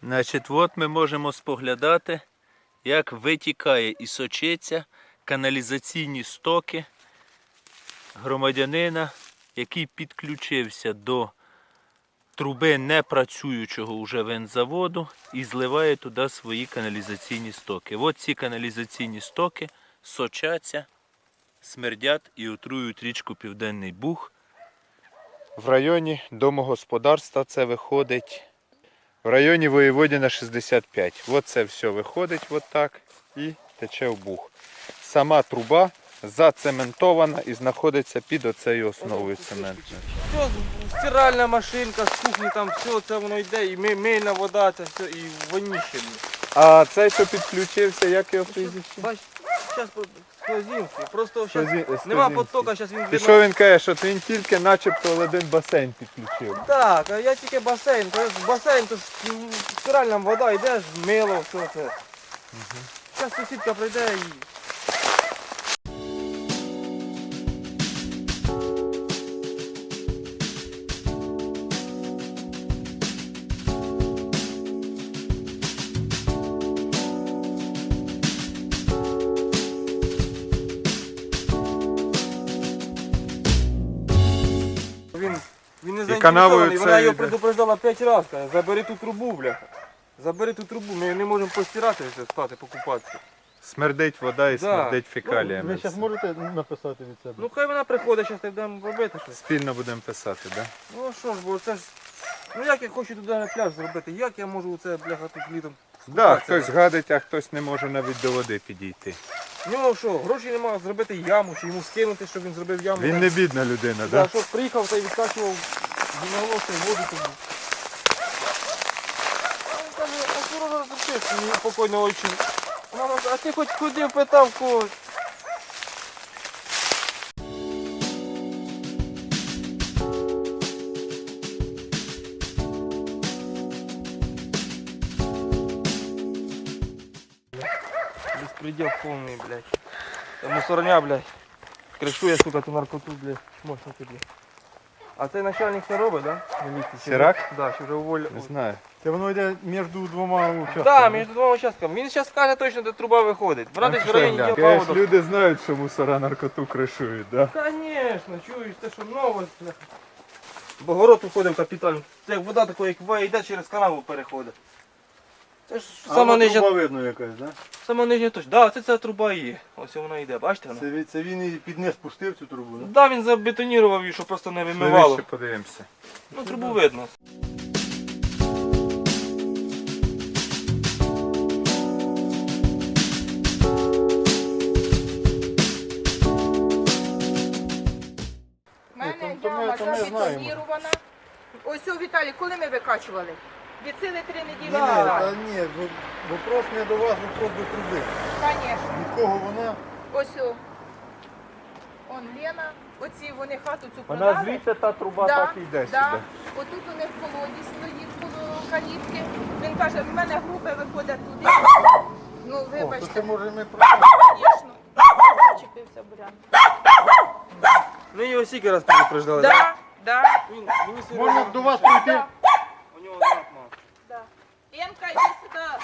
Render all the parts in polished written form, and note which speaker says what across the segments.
Speaker 1: Значить, от ми можемо споглядати, як витікає і сочиться каналізаційні стоки громадянина, який підключився до труби непрацюючого вже винзаводу і зливає туди свої каналізаційні стоки. От ці каналізаційні стоки сочаться, смердять і отруюють річку Південний Буг. В районі домогосподарства це виходить в районі Воєводіна 65. От це все виходить от так і тече в Буг. Сама труба зацементована і знаходиться під оцею основою цементною.
Speaker 2: Все, стиральна машинка з кухні, там все це воно йде, і мильна вода, це все, і воніще.
Speaker 1: А цей, що підключився, як його прізвище?
Speaker 2: Бач, зараз Сквозінський, просто зараз
Speaker 1: Сквозінський.
Speaker 2: нема потока, зараз він
Speaker 1: І що він каже, що він тільки начебто один басейн підключив.
Speaker 2: Так, а я тільки басейн, басейн, то ж стиральна вода, йде, мило, все це. Зараз сусідка прийде і... Він не заінтересований, вона його предупреждала 5 разів, каже, забери ту трубу, бляха. Забери ту трубу, ми не можемо постирати, стати, покупатися.
Speaker 1: Смердить вода і смердить
Speaker 3: Ви
Speaker 1: фекаліями.
Speaker 3: зараз можете написати від себе?
Speaker 2: Ну хай вона приходить, зараз будемо робити щось.
Speaker 1: Спільно будемо писати, так? Да?
Speaker 2: Ну що ж, бо це ж... Ну як я хочу туди пляж зробити, як я можу це, бляха, тут літом
Speaker 1: Да,
Speaker 2: скупатися?
Speaker 1: хтось гадить, а хтось не може навіть до води підійти.
Speaker 2: В нього що, гроші немає зробити яму, чи йому скинути, щоб він зробив яму.
Speaker 1: Він не бідна людина, так?
Speaker 2: Да,
Speaker 1: Да?
Speaker 2: щоб приїхав та й відкачував гімнолосну воду тобі. Він каже, а що розрушиш мені покойного очі? Мама, а ти хоч ходив, питав когось. Беспредел повний, блядь. Та мусорня, блядь. Кришує, сука, ту наркоту, блядь. Можна тобі. А цей начальник не робить, да? Міліції?
Speaker 1: Сірак?
Speaker 2: Да, що вже уволив.
Speaker 1: Не знаю.
Speaker 3: Це воно йде між двома участками.
Speaker 2: Да, між двома участками. Він зараз скаже точно, де труба виходить. Братись в районі діл поводу.
Speaker 1: Люди знають, що мусора наркоту кришують, так? Да?
Speaker 2: Конечно, чуєш, це що новость, бляха. Бо город уходив капітально. Це як вода такої, як буває, йде через канаву переходить. Це ж сама нижня,
Speaker 3: видно якась, да?
Speaker 2: сама нижня точка. Да, ця труба і є. Ось вона йде, бачите вона?
Speaker 3: Це він і під низ пустив цю трубу, да?
Speaker 2: Да, він забетонірував її, щоб просто не вимивало.
Speaker 1: Ще подивимося.
Speaker 2: Ну, трубу видно.
Speaker 4: У мене
Speaker 3: то ми
Speaker 4: яма
Speaker 3: знаємо.
Speaker 4: забетонірована. Ось у Віталій, коли ми викачували? Від сили 3 неділі
Speaker 3: Ні,
Speaker 4: назад.
Speaker 3: ні, вопрос не до вас, вопрос до труби.
Speaker 4: Звісно.
Speaker 3: Від кого вона?
Speaker 4: Ось о. Он Лена, оці вони хату цю
Speaker 1: Вона
Speaker 4: продали.
Speaker 1: звідси та труба
Speaker 4: Да,
Speaker 1: так і йде
Speaker 4: да.
Speaker 1: сюди.
Speaker 4: Отут у них колодязь стоїть коло калітки. Він каже, в мене групи виходять туди. Ну,
Speaker 3: О, то
Speaker 4: вибачте,
Speaker 3: це може ми про
Speaker 4: звісно. Зачепився бурян.
Speaker 2: Ми його стільки раз предупреждали,
Speaker 4: Да, да,
Speaker 2: Він свій
Speaker 3: Можна
Speaker 2: розум-
Speaker 3: до вас прийти?
Speaker 4: да,
Speaker 2: У нього знак мав.
Speaker 4: да. Ленка, йди сюди.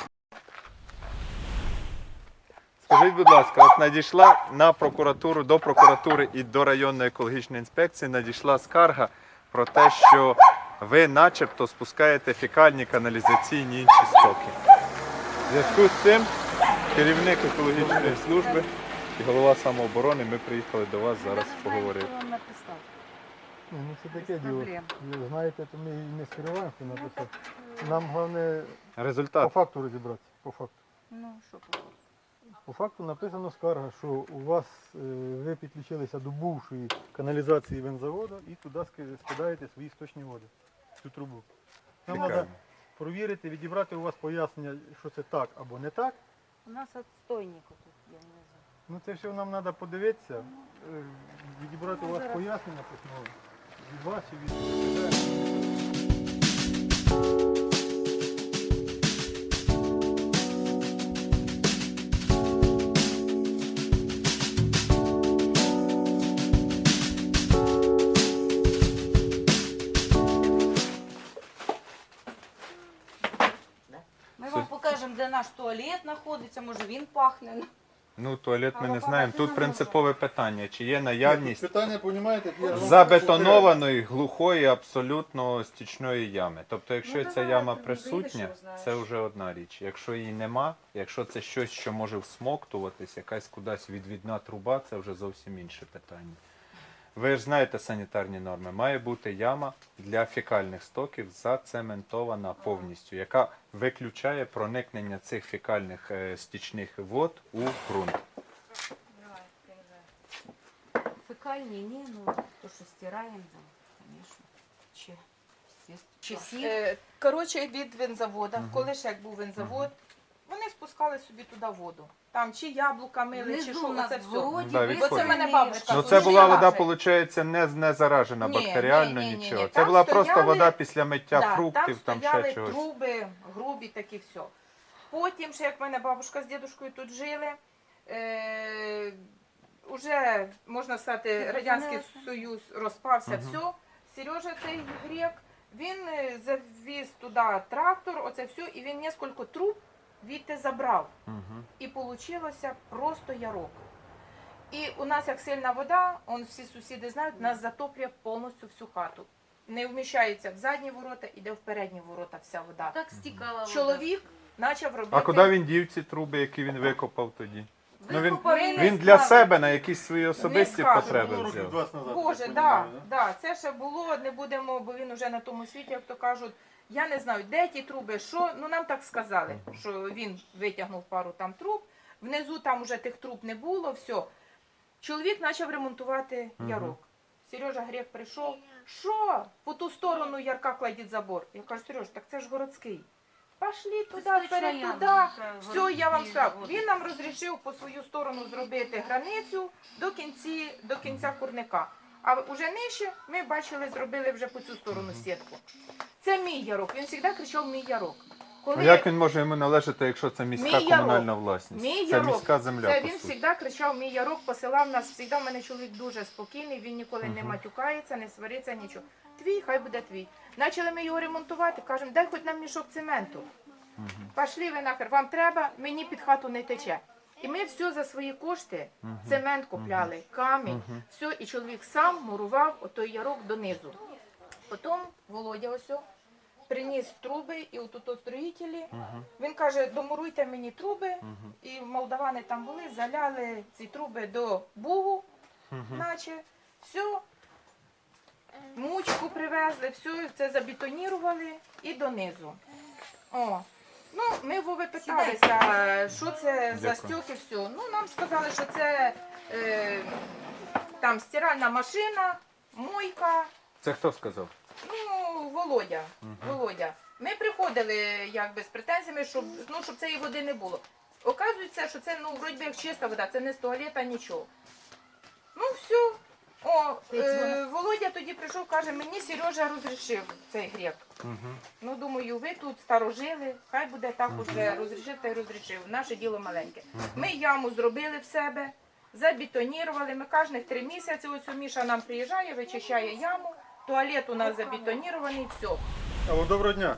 Speaker 1: Скажіть, будь ласка, от надійшла на прокуратуру, до прокуратури і до районної екологічної інспекції надійшла скарга про те, що ви начебто спускаєте фекальні каналізаційні інші стоки. В зв'язку з цим керівник екологічної служби і голова самооборони, ми приїхали до вас зараз поговорити.
Speaker 3: Ні, ну це таке діло.
Speaker 4: проблем.
Speaker 3: Ви знаєте, то ми і не скриваємо, що написати. Нам головне по
Speaker 1: Результат.
Speaker 3: факту розібратися. По факту.
Speaker 4: Ну, що по
Speaker 3: По факту написано скарга, що у вас ви підключилися до бувшої каналізації винзаводу і туди скидаєте свої сточні води, цю трубу. Нам
Speaker 1: Цікаво.
Speaker 3: треба провірити, відібрати у вас пояснення, що це так або не так.
Speaker 4: У нас отстойник тут є внизу.
Speaker 3: Ну це все нам треба подивитися, відібрати у вас пояснення письмове від вас і від
Speaker 5: скажемо, де наш туалет знаходиться, може він пахне.
Speaker 6: Ну, туалет ми
Speaker 5: Але
Speaker 6: не знаємо.
Speaker 5: багато
Speaker 6: Тут
Speaker 5: не
Speaker 6: принципове питання, чи є наявність
Speaker 3: Питання, розумієте, я вам
Speaker 6: забетонованої, глухої, абсолютно стічної ями. Тобто, якщо
Speaker 5: Ну,
Speaker 6: ця
Speaker 5: давай,
Speaker 6: яма
Speaker 5: ти
Speaker 6: присутня,
Speaker 5: вийдеш, знаєш.
Speaker 6: це вже одна річ. Якщо її нема, якщо це щось, що може всмоктуватись, якась кудись відвідна труба, це вже зовсім інше питання. Ви ж знаєте санітарні норми. Має бути яма для фекальних стоків зацементована повністю, яка виключає проникнення цих фекальних стічних вод у ґрунт.
Speaker 5: Давай, перезай. Фекальні, ні, ну то, що стираємо, да, звісно. Чи сіль.
Speaker 4: Коротше, від винзавода, коли ще як був винзавод, вони спускали собі туди воду. Там чи яблука мили, чи
Speaker 5: Внизу
Speaker 4: що,
Speaker 5: у нас
Speaker 4: це
Speaker 5: в
Speaker 4: все.
Speaker 5: городі
Speaker 6: Да,
Speaker 5: висипані
Speaker 4: Оце мене
Speaker 5: річки.
Speaker 4: бабушка
Speaker 6: Ну
Speaker 4: Та
Speaker 6: це
Speaker 4: дуже
Speaker 6: була вода,
Speaker 4: лаже.
Speaker 6: виходить, не заражена
Speaker 4: Ні,
Speaker 6: бактеріально,
Speaker 4: ні.
Speaker 6: нічого. Це
Speaker 4: Там
Speaker 6: була просто
Speaker 4: стояли-
Speaker 6: вода після миття
Speaker 4: Да,
Speaker 6: фруктів, там
Speaker 4: стояли
Speaker 6: ще чогось.
Speaker 4: труби, грубі такі все. Потім, ще як в мене бабушка з дідушкою тут жили, уже, можна сказати, Радянський Союз розпався, все. Сережа цей грек, він завіз туди трактор, оце все, і він кілька труб відти забрав.
Speaker 6: Мгм.
Speaker 4: І вийшло просто ярок. І у нас як сильна вода, всі сусіди знають, нас затоплює повністю всю хату. Не вміщається в задні ворота, іде в передні ворота вся вода.
Speaker 5: Так стікала вода.
Speaker 4: Чоловік почав робити.
Speaker 6: А куди він дів ці труби, які він викопав тоді? Ну, він-
Speaker 5: Викопав,
Speaker 4: він
Speaker 6: Він для
Speaker 4: скажу.
Speaker 6: себе на якісь свої особисті
Speaker 4: скажу.
Speaker 6: потреби
Speaker 3: Було років
Speaker 6: взяв.
Speaker 3: 20 назад.
Speaker 4: Боже,
Speaker 3: я так
Speaker 4: да,
Speaker 3: розумію,
Speaker 4: да, це ще було, не будемо, бо він вже на тому світі, як то кажуть. Я не знаю, де ті труби, що, ну нам так сказали, що він витягнув пару там труб, внизу там уже тих труб не було, все. Чоловік почав ремонтувати ярок. Сережа Грек прийшов, що? По ту сторону ярка кладіть забор. Я кажу, Сереж, так це ж городський. Пошли туди,
Speaker 5: Точно
Speaker 4: вперед,
Speaker 5: яма,
Speaker 4: туди.
Speaker 5: так,
Speaker 4: Все, я вам
Speaker 5: городські
Speaker 4: сказав.
Speaker 5: води.
Speaker 4: Він нам розрішив по свою сторону зробити границю до кінця курника. А вже нижче ми бачили, зробили вже по цю сторону сітку. Це мій ярок. Він завжди кричав мій ярок.
Speaker 6: А як він може йому належати, якщо це міська
Speaker 4: Мій ярок.
Speaker 6: комунальна власність?
Speaker 4: Мій
Speaker 6: Це
Speaker 4: ярок.
Speaker 6: міська земля,
Speaker 4: Це
Speaker 6: по
Speaker 4: він
Speaker 6: суті.
Speaker 4: завжди кричав мій ярок, посилав нас. Завжди в мене чоловік дуже спокійний, він ніколи не матюкається, не свариться, нічого. Твій, хай буде твій. Почали ми його ремонтувати, кажемо, дай хоч нам мішок цементу. Пішли ви нахер, вам треба, мені під хату не тече. І ми все за свої кошти, цемент купляли, камінь, все, і чоловік сам мурував отой ярок донизу. Потім Володя ось приніс труби, і отут строїтелі, він каже, домуруйте мені труби, і молдавани там були, заляли ці труби до бугу, наче, все, мучку привезли, все це забетонірували і донизу. О. Ну, ми Вови питалися, що це за
Speaker 6: Дякую.
Speaker 4: стьоки, все. Ну, нам сказали, що це там стиральна машина, мойка,
Speaker 6: Це хто сказав?
Speaker 4: ну, Володя. Володя. Ми приходили якби з претензіями, щоб цієї води не було. Оказується, що це, ну, вроді би як чиста вода, це не з туалета, нічого. Ну, все. О, Володя тоді прийшов, каже, мені Сережа розрішив цей грек. Ну, думаю, ви тут старожили, хай буде так уже розрішив та й розрішив. Наше діло маленьке. Ми яму зробили в себе, забетонірували. Ми кожних 3 місяці, ось Міша нам приїжджає, вичищає яму, туалет у нас забетонірований, все.
Speaker 3: Алло, доброго дня.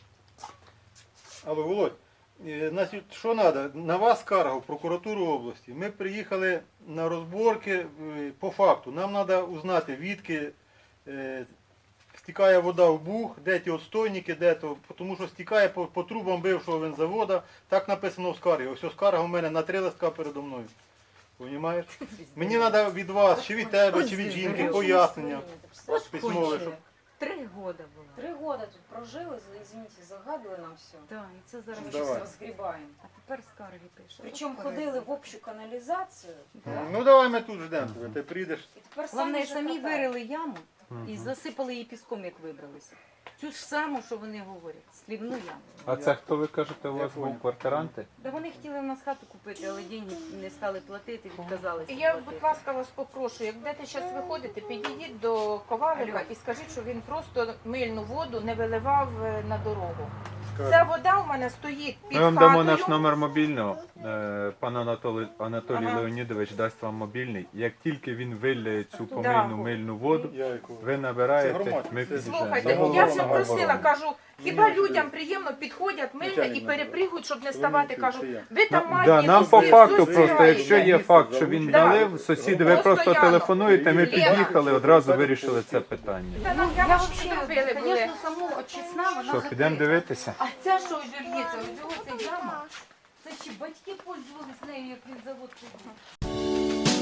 Speaker 3: Алло, Володь, значить, що треба? На вас скарга в прокуратуру області. Ми приїхали на розборки по факту. Нам треба узнати, відки стікає вода в буг, де ті отстойники, де то, тому що стікає по трубам бившого винзавода. Так написано в скаргі. Ось скарга у мене на 3 листка передо мною. Понімаєш? Мені треба від вас, чи від тебе, чи від жінки, пояснення письмове, щоб
Speaker 5: 3 года було.
Speaker 7: 3 года тут прожили, извините, загадили нам все.
Speaker 5: Так, і це зараз.
Speaker 7: Мы
Speaker 3: Давай.
Speaker 7: сейчас разгребаем.
Speaker 5: А тепер скарги пише.
Speaker 7: Причем ходили в общую канализацию. Да?
Speaker 3: ну давай ми тут ждемо тебе, ти прийдеш.
Speaker 7: И теперь
Speaker 5: Головне,
Speaker 7: же
Speaker 5: самі
Speaker 7: катають.
Speaker 5: вирили яму і засипали її піском, як вибралися. Цю ж саму, що вони говорять, слівну яму.
Speaker 6: А це хто ви кажете, у вас був квартиранти?
Speaker 5: Да вони хотіли в нас хату купити, але деньги не стали платити, відказалися
Speaker 4: Я,
Speaker 5: платити.
Speaker 4: будь ласка, вас попрошу, як будете зараз виходити, підійдіть до Ковалика і скажіть, що він просто мильну воду не виливав на дорогу. Ця вода у мене стоїть під
Speaker 6: Ми вам
Speaker 4: хатою.
Speaker 6: дамо наш номер мобільного. Пан Анатолій
Speaker 4: Ага.
Speaker 6: Леонідович дасть вам мобільний. Як тільки він вилляє цю помийну мильну воду,
Speaker 3: Я яку.
Speaker 6: ви
Speaker 3: Це
Speaker 6: набираєте,
Speaker 3: громадське.
Speaker 6: ми
Speaker 3: Це-
Speaker 6: підійдемо.
Speaker 4: Слухайте,
Speaker 6: Це
Speaker 4: я
Speaker 6: голова
Speaker 4: вже
Speaker 6: самооборони.
Speaker 4: просила, кажу, хіба людям приємно підходять мильно і перепригують, щоб не ставати. Кажу, ви там
Speaker 6: Да,
Speaker 4: маєте
Speaker 6: нам по факту просто,
Speaker 4: зустрічаєте.
Speaker 6: якщо є факт, що він
Speaker 4: Да.
Speaker 6: налив, сусіди, ви просто
Speaker 4: Постоянно.
Speaker 6: телефонуєте, ми
Speaker 4: Лена.
Speaker 6: під'їхали, одразу вирішили це питання.
Speaker 4: Та нам
Speaker 5: Я
Speaker 4: прямо
Speaker 5: взагалі,
Speaker 4: зробили були.
Speaker 5: звісно, саму очисна, вона
Speaker 6: Що, підемо
Speaker 5: закрита.
Speaker 6: дивитися?
Speaker 5: А ця, що вір'ється, ось цього ця яма, це ще батьки пользувались нею, як він завод ходив.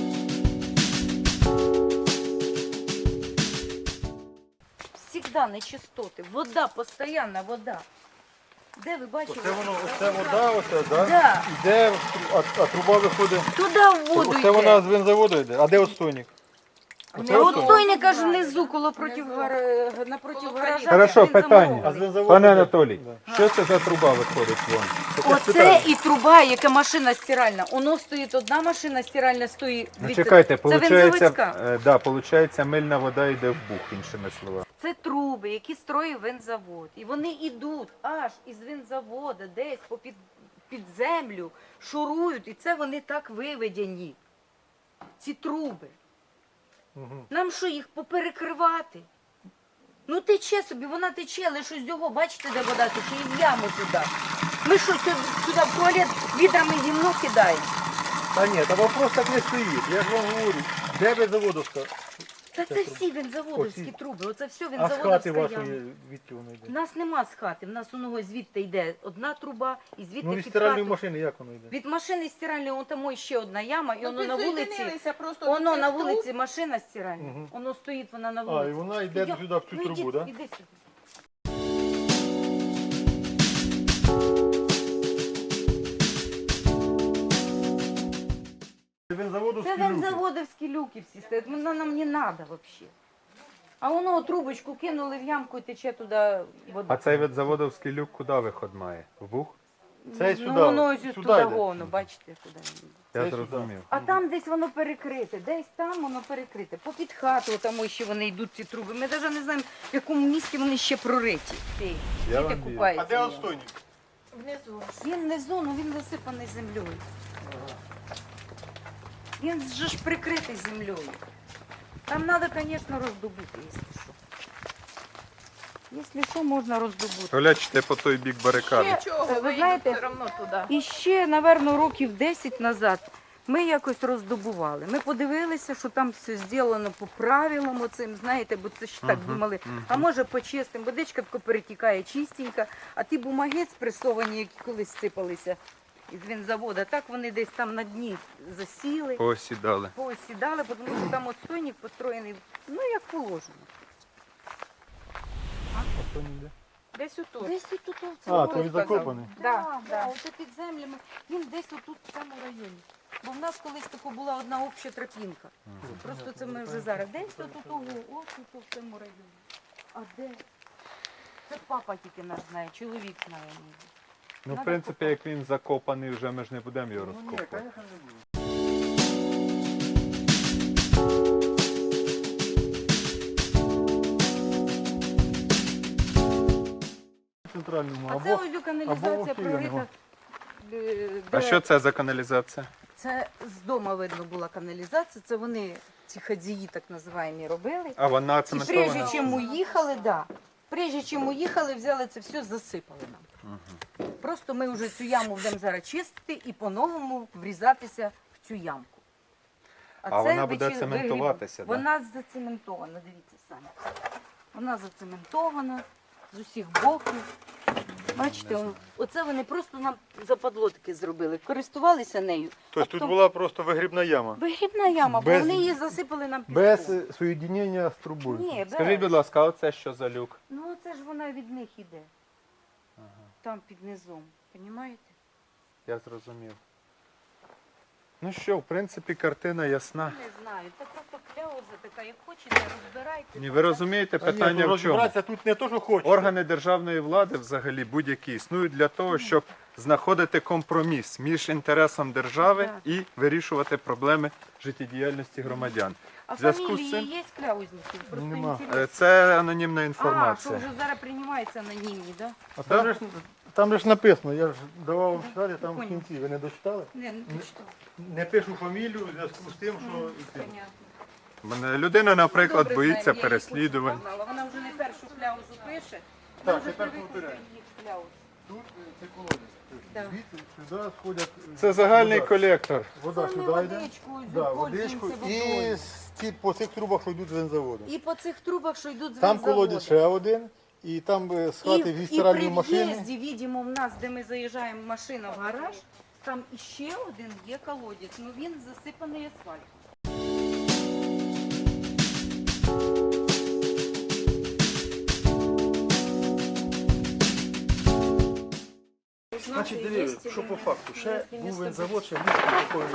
Speaker 5: Всегда нечистоти. Вода, постійна вода. Де ви бачили?
Speaker 3: Оце воно, оце вода, оце, да?
Speaker 5: Да.
Speaker 3: Іде, а труба виходить.
Speaker 5: Туди в воду
Speaker 3: Оце
Speaker 5: йде.
Speaker 3: вона з бензоводу йде. А де отстойник?
Speaker 5: Не отстойник аж внизу, коло напротив гаража.
Speaker 6: Хорошо,
Speaker 5: він
Speaker 6: питання.
Speaker 5: замовлений.
Speaker 3: А з бензоводу
Speaker 6: Пане
Speaker 3: йде?
Speaker 6: Анатолій,
Speaker 3: Да.
Speaker 6: що це за труба виходить вон?
Speaker 5: Оце і труба, яка машина стиральна. Воно стоїть одна машина стиральна, стоїть.
Speaker 6: Ну
Speaker 5: дивіться,
Speaker 6: чекайте,
Speaker 5: це Вензаводська.
Speaker 6: получається, мильна вода йде в бух, іншими словами.
Speaker 5: Це труби, які строїв винзавод. І вони йдуть аж із винзавода, десь під землю, шурують. І це вони так виведені. Ці труби.
Speaker 3: Мгм.
Speaker 5: Нам що, їх поперекривати? Ну тече собі, вона тече, але що з цього, бачите, де вода тече, і в яму туди. Ми що, сюди в туалет відрами гімно кидаємо?
Speaker 3: Та ні, та вопрос так не стоїть. Я ж вам говорю, де бензоводовська?
Speaker 5: Та це всі вінзаводовські
Speaker 3: Оці.
Speaker 5: труби, оце все
Speaker 3: А з
Speaker 5: вінзаводовська
Speaker 3: хати
Speaker 5: яма.
Speaker 3: вашої, відки воно йде?
Speaker 5: У нас нема з хати, в нас воно звідти йде одна труба, і звідти
Speaker 3: Ну, від
Speaker 5: під
Speaker 3: стиральної
Speaker 5: хату.
Speaker 3: машини як воно йде?
Speaker 5: Від машини стиральної, вон там ще одна яма, і
Speaker 4: Ну,
Speaker 5: воно на вулиці,
Speaker 4: підсоєдинилися просто
Speaker 5: воно
Speaker 4: до цих
Speaker 5: на
Speaker 4: труб.
Speaker 5: вулиці машина стиральна,
Speaker 3: Мгм.
Speaker 5: воно стоїть, вона на
Speaker 3: А, і
Speaker 5: вулиці.
Speaker 3: вона йде
Speaker 5: Ну,
Speaker 3: сюди в цю
Speaker 5: ну,
Speaker 3: трубу,
Speaker 5: іди,
Speaker 3: так?
Speaker 5: іди сюди.
Speaker 3: Це бензоводовські
Speaker 5: Це
Speaker 3: люки.
Speaker 5: вензаводовські люки всі стоять, воно нам не треба взагалі. А воно трубочку кинули в ямку і тече туди вода.
Speaker 6: А цей від заводовський люк куди виход має? В бух?
Speaker 3: Це
Speaker 5: Ну
Speaker 3: сюди,
Speaker 5: воно ось
Speaker 3: сюди
Speaker 5: туди
Speaker 3: йде.
Speaker 5: говно, бачите, куди він йде.
Speaker 6: Я
Speaker 3: Це
Speaker 6: зрозумів.
Speaker 5: А там десь воно перекрите, десь там воно перекрите. Попід хату там ще вони йдуть ці труби. Ми навіть не знаємо, в якому місці вони ще прориті. Ті,
Speaker 6: Я
Speaker 5: діти
Speaker 6: вам вірю.
Speaker 5: купаються.
Speaker 3: А де
Speaker 5: в ньому.
Speaker 3: отстойник?
Speaker 4: Внизу.
Speaker 5: Він внизу, ну він засипаний землею. Він же ж прикритий землею. Там треба, звісно, роздобути, якщо що. Якщо що, можна роздобути.
Speaker 6: Глячте по той бік барикади.
Speaker 4: Нічого,
Speaker 5: ви
Speaker 4: ви
Speaker 5: знаєте,
Speaker 4: все одно туди.
Speaker 5: І ще, напевно, років 10 назад ми якось роздобували. Ми подивилися, що там все зроблено по правилам оцим, знаєте, бо це ж так думали. А може почистимо, водичка тако перетікає чистенька, а ті бумаги спресовані, які колись сипалися із вінзавода, так вони десь там на дні засіли,
Speaker 6: Посідали.
Speaker 5: поосідали, тому що там отстойник построєний, ну як положено.
Speaker 3: Отстойник де?
Speaker 4: Десь отут.
Speaker 5: Десь тут у
Speaker 3: А,
Speaker 5: цьому.
Speaker 3: то він закопаний.
Speaker 5: Да, да, оце під землями. Він десь отут в цьому районі. Бо в нас колись тако була одна обща тропінка. Просто це ми вже зараз. Десь тут ось тут в цьому районі. А де? Це папа тільки наш знає, чоловік знає.
Speaker 6: Ну, в
Speaker 5: Надо
Speaker 6: принципі,
Speaker 5: копати.
Speaker 6: як він закопаний, вже ми ж не будемо його
Speaker 3: Ну, ні,
Speaker 6: розкопувати.
Speaker 3: звісно, не буде. Центральному
Speaker 5: А це
Speaker 3: або
Speaker 5: ось
Speaker 3: або
Speaker 5: каналізація
Speaker 3: охтіля
Speaker 5: прорита.
Speaker 3: нема.
Speaker 6: А що це за каналізація?
Speaker 5: Це з дому видно була каналізація. Це вони, ці хадзії так називаємо, робили.
Speaker 6: А вона
Speaker 5: І прежде
Speaker 6: цементована?
Speaker 5: чим уїхали, да. Прежде чим уїхали, взяли це все, засипали нам. Просто ми вже цю яму будемо зараз чистити і по-новому врізатися в цю ямку.
Speaker 6: А вона буде
Speaker 5: вигріб-
Speaker 6: цементуватися, да?
Speaker 5: Вона зацементована, дивіться самі. Вона зацементована з усіх боків. Бачите, оце вони просто нам западло таке зробили. Користувалися нею.
Speaker 3: Тобто тут була просто вигрібна яма.
Speaker 5: Вигрібна яма, бо
Speaker 3: Без-
Speaker 5: вони її засипали нам піском.
Speaker 3: Без соєдинення з трубою.
Speaker 5: Ні, без.
Speaker 6: Скажіть, будь ласка, а оце що за люк?
Speaker 5: Ну це ж вона від них іде. Там під низом. Понімаєте?
Speaker 6: Я зрозумів. Ну що, в принципі, картина ясна.
Speaker 5: Не знаю. Це просто кляуза така, як хочете, розбирайте.
Speaker 6: Ні, ви розумієте,
Speaker 3: Та ні,
Speaker 6: питання
Speaker 3: ну,
Speaker 6: в чому?
Speaker 3: розібратися тут не то, що хочеш.
Speaker 6: Органи державної влади взагалі будь-які існують для того, щоб знаходити компроміс між інтересом держави
Speaker 5: Так.
Speaker 6: і вирішувати проблеми життєдіяльності громадян.
Speaker 5: А
Speaker 6: В зв'язку з
Speaker 5: фамілії
Speaker 6: цим-
Speaker 5: є кляузників? Просто
Speaker 3: Нема.
Speaker 5: інтересно.
Speaker 6: Це анонімна
Speaker 5: А,
Speaker 6: інформація.
Speaker 5: що вже зараз приймається анонімні, так?
Speaker 3: А там же ж написано, я ж давав вам читати, там в
Speaker 5: Понял.
Speaker 3: кінці. Ви не дочитали?
Speaker 5: Да? Не, ну ти що?
Speaker 3: Не пишу фамілію в зв'язку з тим, що...
Speaker 5: Понятно.
Speaker 6: Мене людина, наприклад,
Speaker 5: Добре,
Speaker 6: боїться
Speaker 5: знаємо, я її
Speaker 6: переслідувань.
Speaker 5: хочу познала. Вона вже не першу кляузу пише.
Speaker 3: Так,
Speaker 5: Вона вже
Speaker 3: тепер
Speaker 5: привикла
Speaker 3: повторяю.
Speaker 5: до їх кляуз.
Speaker 3: Тут це колодязь.
Speaker 5: Да.
Speaker 3: Звідси сюди сходять...
Speaker 6: Це загальний
Speaker 3: вода.
Speaker 6: колектор.
Speaker 3: Вода
Speaker 5: Це ми
Speaker 3: сюди йде.
Speaker 5: водичку,
Speaker 3: Да, водичку.
Speaker 5: пользуємося
Speaker 3: І
Speaker 5: водою.
Speaker 3: по цих трубах, що йдуть з бензоводу.
Speaker 5: І по цих трубах, що йдуть з
Speaker 3: Там
Speaker 5: вокзаводу.
Speaker 3: колодязь ще один, і там з хати від
Speaker 5: І
Speaker 3: стиральної
Speaker 5: при
Speaker 3: машини.
Speaker 5: в'їзді, видимо, в нас, де ми заїжджаємо машина в гараж, там іще один є колодязь, ну він засипаний асфальтом.
Speaker 8: Значить, дивіться, що по факту. Ще був бензавод, ще ліжко такої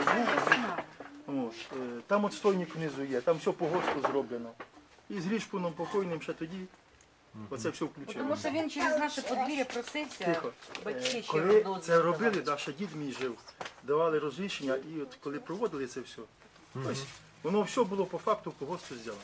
Speaker 8: був. От, там от стойник внизу є, там все по ГОСТу зроблено. І з Грішпуном покойним ще тоді оце все
Speaker 5: Тому
Speaker 8: включилося.
Speaker 5: що він через наше подвір'я просився,
Speaker 8: Тихо.
Speaker 5: батьки ще
Speaker 8: Коли
Speaker 5: дозвіл
Speaker 8: це робили,
Speaker 5: давали.
Speaker 8: да, ще дід мій жив, давали розрішення, і от коли проводили це все, ось, воно все було по факту по ГОСТу зроблено.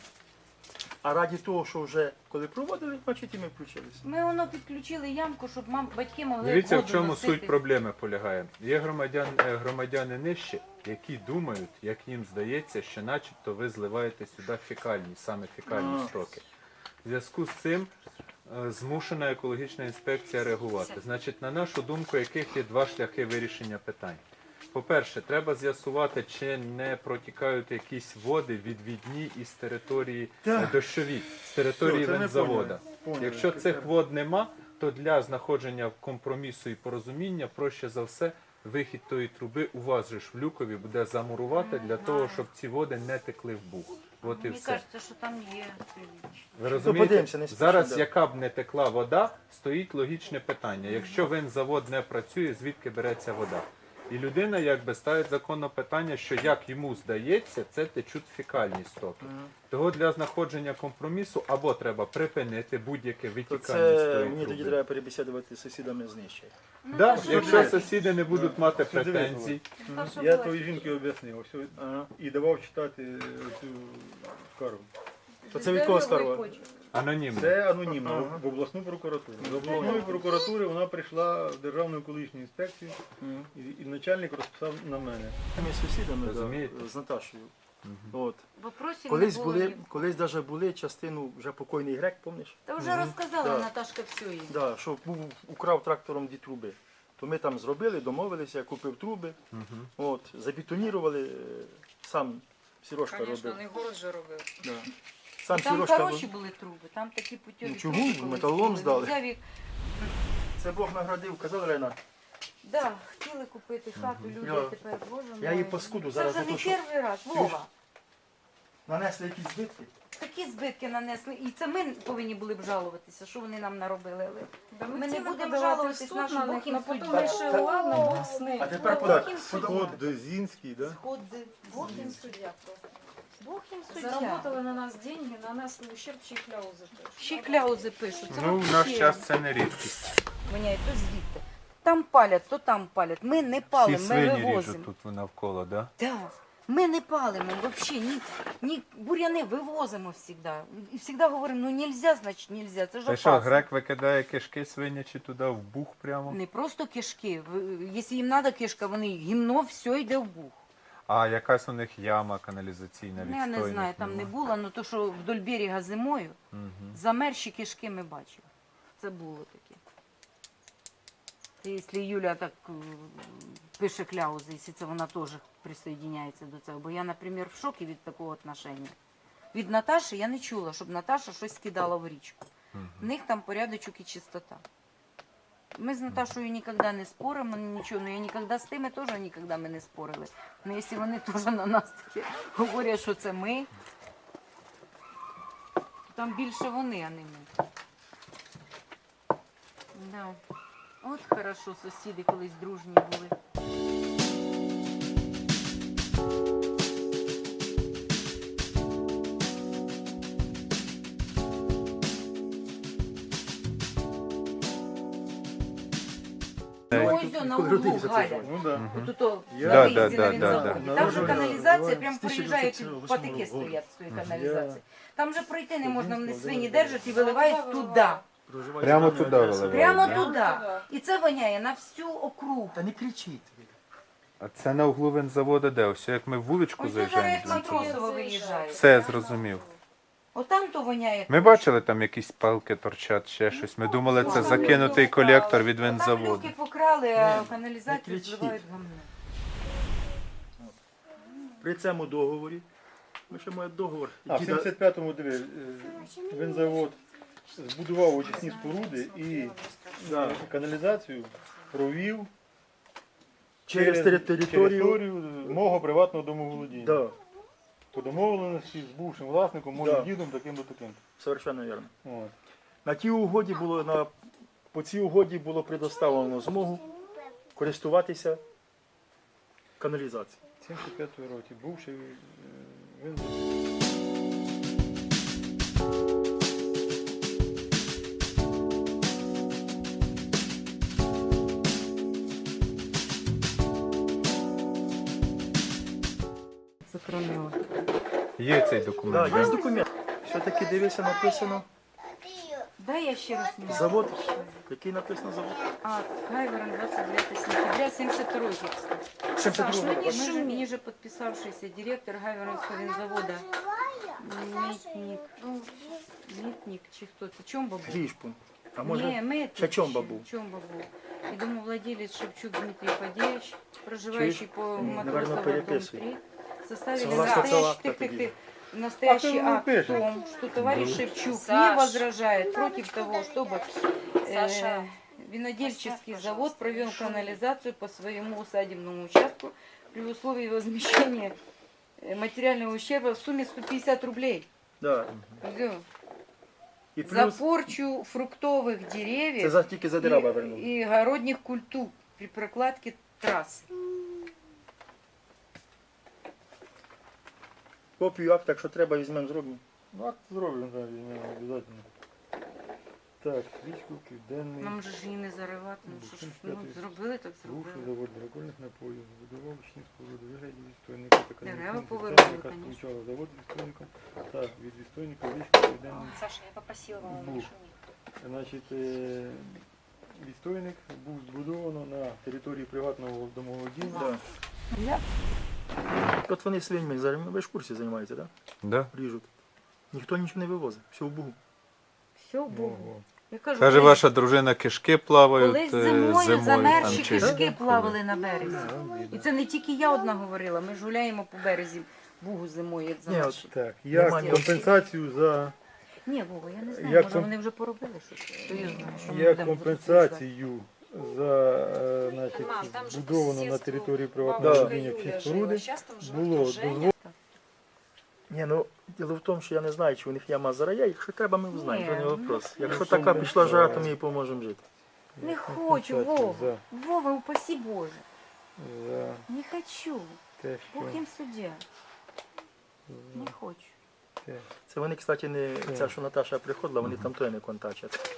Speaker 8: А раді того, що вже коли проводили, значить і ми включилися.
Speaker 5: Ми воно підключили ямку, щоб батьки могли
Speaker 6: Дивіться, в
Speaker 5: воду
Speaker 6: чому
Speaker 5: носити.
Speaker 6: суть проблеми полягає. Є громадяни нижчі, які думають, як їм здається, що начебто ви зливаєте сюди фекальні, саме фекальні стоки. В зв'язку з цим змушена екологічна інспекція реагувати. Значить, на нашу думку, яких є два шляхи вирішення питань. По-перше, треба з'ясувати, чи не протікають якісь води відвідні із території дощові, з території
Speaker 8: Все, це ми
Speaker 6: вентзавода.
Speaker 8: поняли.
Speaker 6: Якщо цих вод нема, то для знаходження компромісу і порозуміння проще за все вихід тої труби у вас же ж в люкові буде замурувати для того, щоб ці води не текли в бух. От і
Speaker 5: Мені
Speaker 6: все.
Speaker 5: кажеться, що там є приліч.
Speaker 6: Ви розумієте?
Speaker 8: подивимося, не спішно,
Speaker 6: Зараз,
Speaker 8: да.
Speaker 6: яка б не текла вода, стоїть логічне питання. Якщо винзавод не працює, звідки береться вода? І людина якби ставить законне питання, що як йому здається, це течуть фекальні стоки. Того для знаходження компромісу або треба припинити будь-яке
Speaker 8: То
Speaker 6: витікання з
Speaker 8: це
Speaker 6: тої
Speaker 8: мені тоді
Speaker 6: труби.
Speaker 8: треба перебесідувати з сусідами з нижче.
Speaker 6: Да,
Speaker 5: що
Speaker 6: якщо
Speaker 5: ви?
Speaker 6: сусіди не будуть мати
Speaker 3: Що дивись,
Speaker 6: претензій,
Speaker 5: Та, що
Speaker 3: Я
Speaker 5: було?
Speaker 3: тої жінки об'яснив ось,
Speaker 8: Ага.
Speaker 3: і давав читати цю скаргу.
Speaker 8: То це від кого скарга?
Speaker 5: Хоче.
Speaker 6: анонімно.
Speaker 3: Це анонімно
Speaker 8: Ага.
Speaker 3: в обласну прокуратуру. З обласної прокуратури вона прийшла в Державну екологічну інспекцію і начальник розписав на мене.
Speaker 8: Ми сусідами
Speaker 6: Розумієте?
Speaker 8: да, з Наташею. От.
Speaker 5: Вопросів
Speaker 8: Колись
Speaker 5: не було
Speaker 8: були,
Speaker 5: ні.
Speaker 8: колись даже були частину вже покойний грек, пам'ятаєш?
Speaker 5: Та вже розказала
Speaker 8: Да.
Speaker 5: Наташка все їй.
Speaker 8: Да, що був, украв трактором дві труби. То ми там зробили, домовилися, я купив труби, от, забетонірували, сам Сережка
Speaker 7: Звісно,
Speaker 8: робив.
Speaker 7: не город же робив.
Speaker 8: Да. Сам
Speaker 5: Там
Speaker 8: Сережка
Speaker 5: хороші
Speaker 8: робив.
Speaker 5: були труби, там такі путьові
Speaker 8: Ну, чого?
Speaker 5: труби колись
Speaker 8: Металолом
Speaker 5: були.
Speaker 8: здали.
Speaker 5: Взяв їх.
Speaker 8: Це Бог наградив, казав Лена.
Speaker 5: Да, хотіли купити хату, люди,
Speaker 8: Я-
Speaker 5: а тепер, боже мой.
Speaker 8: Я її паскуду
Speaker 5: Це
Speaker 8: зараз
Speaker 5: вже
Speaker 8: за
Speaker 5: не
Speaker 8: те, що
Speaker 5: перший раз, Вова.
Speaker 8: нанесли якісь збитки.
Speaker 5: Такі збитки нанесли. І це ми повинні були б жалуватися, що вони нам наробили. Але ми не
Speaker 7: хотіли
Speaker 5: будемо
Speaker 7: подавати в
Speaker 5: жалуватись
Speaker 7: суд
Speaker 5: нашу
Speaker 7: на них,
Speaker 5: Бог їм
Speaker 7: но потім
Speaker 5: суддя.
Speaker 7: вирішили, ладно, Бог з ним.
Speaker 8: А тепер
Speaker 5: Бог
Speaker 8: так,
Speaker 5: їм
Speaker 3: Сход Зінський, да?
Speaker 5: Сходи.
Speaker 7: Бог їм суддя просто.
Speaker 5: Бог їм суддя.
Speaker 7: Заработали на нас деньги, нанесли ущерб, ще й кляузи теж.
Speaker 5: Ще й кляузи пишуть. Це
Speaker 6: Ну, в наш
Speaker 5: вообще
Speaker 6: час це не рідкість.
Speaker 5: воняє, то звідти. Там палять, то там палять. Ми не
Speaker 6: Всі
Speaker 5: палимо, ми
Speaker 6: свині
Speaker 5: вивозимо.
Speaker 6: ріжуть тут навколо, да?
Speaker 5: Да. Ми не палимо взагалі, ні буряни вивозимо завжди. І завжди говоримо, ну нельзя, значить нельзя, це ж
Speaker 6: Та що,
Speaker 5: опасно.
Speaker 6: грек викидає кишки свинячі туди в бух прямо?
Speaker 5: Не просто кишки. Якщо їм треба кишка, вони гімно, все йде в бух.
Speaker 6: А якась у них яма каналізаційна
Speaker 5: Ну, я не знаю, там не було, але то, що вдоль берега зимою, замерзші кишки ми бачили. Це було таке. Це якщо Юля так пише кляузи, якщо це вона теж присоединяється до цього. Бо я, наприклад, в шокі від такого отношення. Від Наташі я не чула, щоб Наташа щось скидала в річку. В них там порядочок і чистота. Ми з Наташою ніколи не споримо, нічого, ну я ніколи з тими теж ніколи ми не спорили. Ну якщо вони теж на нас таке говорять, що це ми, то там більше вони, а не ми. Да. От хорошо сусіди колись дружні були. Ну, ось на
Speaker 8: Коли
Speaker 5: углу,
Speaker 8: родився цей
Speaker 5: Галя.
Speaker 8: завод.
Speaker 3: Ну да.
Speaker 5: Тут на
Speaker 6: Да,
Speaker 5: виїзді
Speaker 6: да,
Speaker 5: на
Speaker 6: да,
Speaker 5: вінзаводі.
Speaker 8: да.
Speaker 5: Там же
Speaker 8: Народження
Speaker 5: каналізація,
Speaker 8: називають
Speaker 5: прям
Speaker 8: з
Speaker 5: проїжджають,
Speaker 8: 1908
Speaker 5: патики
Speaker 8: року.
Speaker 5: стоять з тої
Speaker 8: Я-
Speaker 5: каналізації. Там же пройти не можна, вони
Speaker 8: Дитинство,
Speaker 5: свині
Speaker 8: да,
Speaker 5: держать і виливають туди.
Speaker 8: Проживають
Speaker 6: Прямо
Speaker 8: в Іваніві,
Speaker 6: туди
Speaker 8: Одеса.
Speaker 6: виливають.
Speaker 5: Прямо
Speaker 6: да?
Speaker 5: туди. І це воняє на всю округу.
Speaker 8: Та не кричіть.
Speaker 6: А це на углу винзаводу де? Ось як ми в вуличку
Speaker 5: Ось це зараз як
Speaker 6: заїжджаємо.
Speaker 5: Матросово виїжджає.
Speaker 6: Все зрозумів.
Speaker 5: Отам то воняє.
Speaker 6: Ми бачили, там якісь палки торчать, ще щось. Ми думали, це закинутий колектор від
Speaker 5: Там
Speaker 6: винзаводу.
Speaker 5: люки покрали, а в
Speaker 8: не
Speaker 5: каналізацію
Speaker 8: кричіть.
Speaker 5: зливають гамно.
Speaker 8: При цьому договорі, ми ще маємо договор.
Speaker 3: А в
Speaker 8: Діда-
Speaker 3: 75-му диви, винзавод збудував очисні споруди і каналізацію провів
Speaker 8: через територію.
Speaker 3: мого приватного домоволодіння.
Speaker 8: Да,
Speaker 3: По домовленості з бувшим власником, моїм
Speaker 8: Да.
Speaker 3: дідом, таким-то таким.
Speaker 8: совершенно вірно.
Speaker 3: От.
Speaker 8: На тій угоді по цій угоді було предоставлено змогу користуватися каналізацією.
Speaker 3: 75-й році бувший винзавод.
Speaker 5: Закронила.
Speaker 6: Є цей
Speaker 8: Да,
Speaker 6: документ.
Speaker 8: є
Speaker 6: да?
Speaker 8: документ. Все-таки дивися, написано
Speaker 5: Дай я ще раз не
Speaker 8: завод. Який написано завод?
Speaker 5: А, Гайворон, 29 сентября 72 кстати. Саш,
Speaker 8: 72
Speaker 5: ну ниже подписавшийся директор Гайворонского винзавода Митник, чи хто це? Чомба був?
Speaker 8: Грішпун. А
Speaker 5: Ні,
Speaker 8: може
Speaker 5: Митник.
Speaker 8: ще Чомба був?
Speaker 5: Чомба був. І домовладелец Шевчук Дмитрий Фадеевич, проживающий по
Speaker 8: Наверно,
Speaker 5: Матросова, дом
Speaker 8: переписуй.
Speaker 5: 3, составили
Speaker 8: Согласно
Speaker 5: настоящий,
Speaker 8: акта тоді.
Speaker 5: настоящий
Speaker 3: А
Speaker 5: акт
Speaker 3: ты
Speaker 5: в том, что товарищ Шевчук не
Speaker 7: Саш.
Speaker 5: возражает против того, чтобы
Speaker 7: Саша.
Speaker 5: винодельческий
Speaker 7: Поставь,
Speaker 5: завод
Speaker 7: пожалуйста,
Speaker 5: провел
Speaker 7: шум.
Speaker 5: канализацию по своему усадебному участку при условии возмещения материального ущерба в сумме 150 рублей.
Speaker 8: Да.
Speaker 5: Всё.
Speaker 8: І
Speaker 5: За
Speaker 8: плюс
Speaker 5: порчу фруктовых
Speaker 8: це
Speaker 5: деревьев
Speaker 8: тільки за дерева вернули.
Speaker 5: и огородных культур при прокладке трасс.
Speaker 8: Копію акта, якщо треба, візьмемо, зробимо.
Speaker 3: Ну, акт зроблено, да, візьмемо, обов'язково. Так, річку Південний.
Speaker 5: Нам же ж її не заривати, ну що ж, ну, зробили, так
Speaker 3: Бувший
Speaker 5: зробили.
Speaker 3: завод алкогольних напоїв, збудував очисні споруди, вигляді відстойника та
Speaker 5: Дерева
Speaker 3: каналізаційних
Speaker 5: повернули,
Speaker 3: систем, яка
Speaker 5: конечно.
Speaker 3: сполучала завод з відстойником та від відстойника річку Південний.
Speaker 7: Саша, я попросила вам
Speaker 3: Був.
Speaker 7: не шуметь.
Speaker 3: Значить, відстойник був збудовано на території приватного домоволодіння.
Speaker 8: Да. От вони свиньми зараз, ви ж в курсі займаються, так?
Speaker 6: Да?
Speaker 8: Да? Ріжуть. Ніхто нічого не вивозить, все в Бугу.
Speaker 5: Все, Богу.
Speaker 3: Ого.
Speaker 5: Я кажу,
Speaker 6: Каже,
Speaker 5: колись-
Speaker 6: ваша дружина кишки плавають
Speaker 5: колись
Speaker 6: зимою.
Speaker 5: зимою замерзші
Speaker 6: там, чи-
Speaker 5: кишки плавали на березі.
Speaker 3: Да,
Speaker 5: І це не тільки я одна говорила, ми ж гуляємо по березі Бугу зимою, як
Speaker 8: Ні,
Speaker 5: замерзші.
Speaker 3: Так, як
Speaker 8: Немає.
Speaker 3: компенсацію за
Speaker 5: Ні, Вова, я не знаю,
Speaker 3: Як
Speaker 5: може
Speaker 3: ком-
Speaker 5: вони вже поробили щось. То я знаю, що ми
Speaker 3: як
Speaker 5: будемо
Speaker 3: компенсацію за значить,
Speaker 7: Мам, там же
Speaker 3: збудовано
Speaker 7: по
Speaker 3: на
Speaker 7: сусідству
Speaker 3: території
Speaker 8: Да.
Speaker 3: приватного
Speaker 7: бабушка
Speaker 3: володіння
Speaker 7: Юля
Speaker 3: всі
Speaker 7: жила.
Speaker 3: споруди
Speaker 7: Щас там живе
Speaker 3: було
Speaker 7: хто, Женя?
Speaker 3: дозволено.
Speaker 8: Ні, ну діло в тому, що я не знаю, чи у них яма зарає. Якщо треба, ми узнаємо,
Speaker 5: Ні,
Speaker 8: то не вопрос. Якщо
Speaker 3: ну,
Speaker 8: така
Speaker 3: це
Speaker 8: пішла
Speaker 3: не
Speaker 8: жара,
Speaker 3: знаю.
Speaker 8: то ми їй поможемо жити.
Speaker 5: Не хочу,
Speaker 3: компенсацію
Speaker 5: Вова. Вова, упаси Боже.
Speaker 3: за
Speaker 5: Не хочу.
Speaker 3: те, що
Speaker 5: Бог їм суддя. Не хочу.
Speaker 8: Це вони, кстати, не
Speaker 3: Так.
Speaker 8: ця, що Наташа приходила, вони там той не контачать.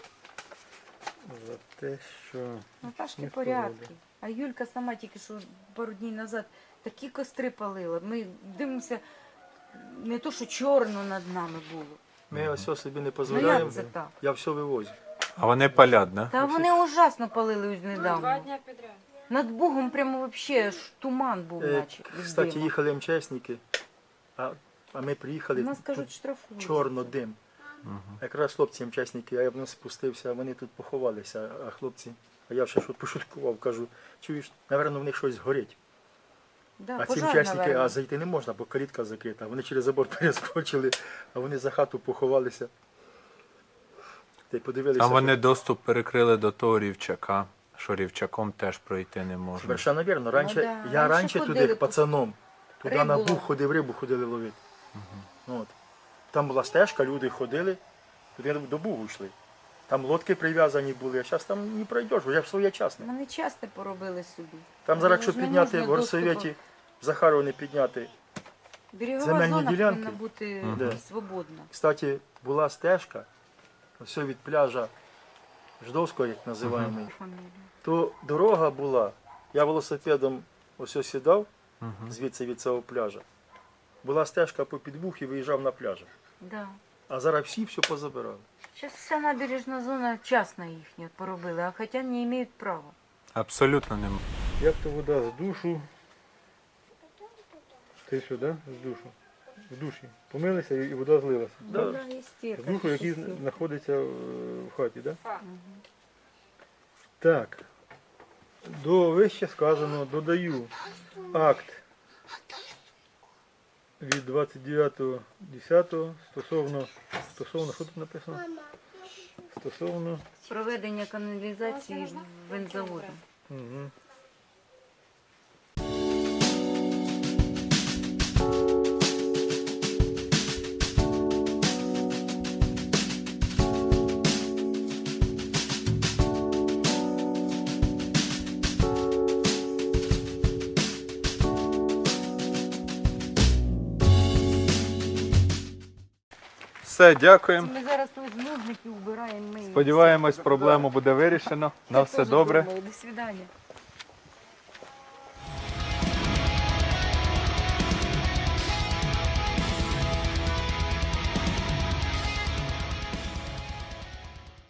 Speaker 3: за те, що
Speaker 5: Наташки
Speaker 3: Ніхто
Speaker 5: порядки. А Юлька сама тільки що пару днів назад такі костри палила. Ми дивимося, не то, що чорно над нами було.
Speaker 8: Ми ось собі не
Speaker 5: Ну
Speaker 8: дозволяємо.
Speaker 5: як це так?
Speaker 8: Я все вивозю.
Speaker 6: А вони палять, да?
Speaker 5: Та вони ужасно палили ось
Speaker 7: 2
Speaker 5: недавно.
Speaker 7: дня подряд.
Speaker 5: Над Бугом прямо вообще ж туман був, наче. від
Speaker 8: Кстати,
Speaker 5: диму.
Speaker 8: їхали МЧСники, а ми приїхали,
Speaker 5: Нас
Speaker 8: тут
Speaker 5: кажуть, штрафують.
Speaker 8: чорно дим. Якраз хлопці МЧСники, а я вниз спустився, вони тут поховалися, а хлопці, а я ще щось пошуткував, кажу, чуєш, напевно, в них щось горить.
Speaker 5: Да,
Speaker 8: А ці
Speaker 5: пожар,
Speaker 8: МЧСники,
Speaker 5: наверно.
Speaker 8: а зайти не можна, бо калітка закрита. Вони через забор перескочили, а вони за хату поховалися. Та й подивилися.
Speaker 6: А вони доступ перекрили до того рівчака, що рівчаком теж пройти не можна.
Speaker 8: Совершенно вірно. Раніше,
Speaker 5: да.
Speaker 8: я
Speaker 5: Раніше
Speaker 8: раніше
Speaker 5: ходили
Speaker 8: туди
Speaker 5: по-
Speaker 8: пацаном, туди
Speaker 5: Рибу
Speaker 8: на
Speaker 5: ловити.
Speaker 8: Буг ходив, рибу ходили ловити. От. Там була стежка, люди ходили, туди до Бугу йшли. Там лодки прив'язані були, а зараз там не пройдеш, бо я в своєчасне.
Speaker 5: Вони часто поробили собі.
Speaker 8: Там зараз, якщо
Speaker 5: ж не
Speaker 8: підняти
Speaker 5: можна
Speaker 8: в горсовєті, в Захарові підняти.
Speaker 5: Берегова
Speaker 8: земельні
Speaker 5: зона
Speaker 8: ділянки.
Speaker 5: повинна бути
Speaker 8: Да.
Speaker 5: свободна.
Speaker 8: Кстати, була стежка, все від пляжа Ждовського, як називаємо,
Speaker 5: Фамілія.
Speaker 8: то дорога була. Я велосипедом ось сідав звідси від цього пляжа. Була стежка по підвух і виїжджав на пляж.
Speaker 5: Да.
Speaker 8: А зараз всі все позабирали.
Speaker 5: Зараз вся набережна зона частна їхня поробили, а хоча не мають права.
Speaker 6: Абсолютно нема.
Speaker 3: Як то вода з душу? Ти що, да? З душу? В душі. Помилися і вода злилася.
Speaker 5: Вода є
Speaker 3: З
Speaker 5: стірка.
Speaker 3: душу, який знаходиться в хаті, так? Да? Так. До вище сказаного додаю акт від 29.10 стосовно, що тут написано? Стосовно
Speaker 5: Проведення каналізації винзаводу.
Speaker 3: Угу.
Speaker 6: Все, дякуємо.
Speaker 5: Ми зараз тут ножники вбираємо. Ми
Speaker 6: Сподіваємось, проблему буде вирішено. На все добре.
Speaker 5: До свидання.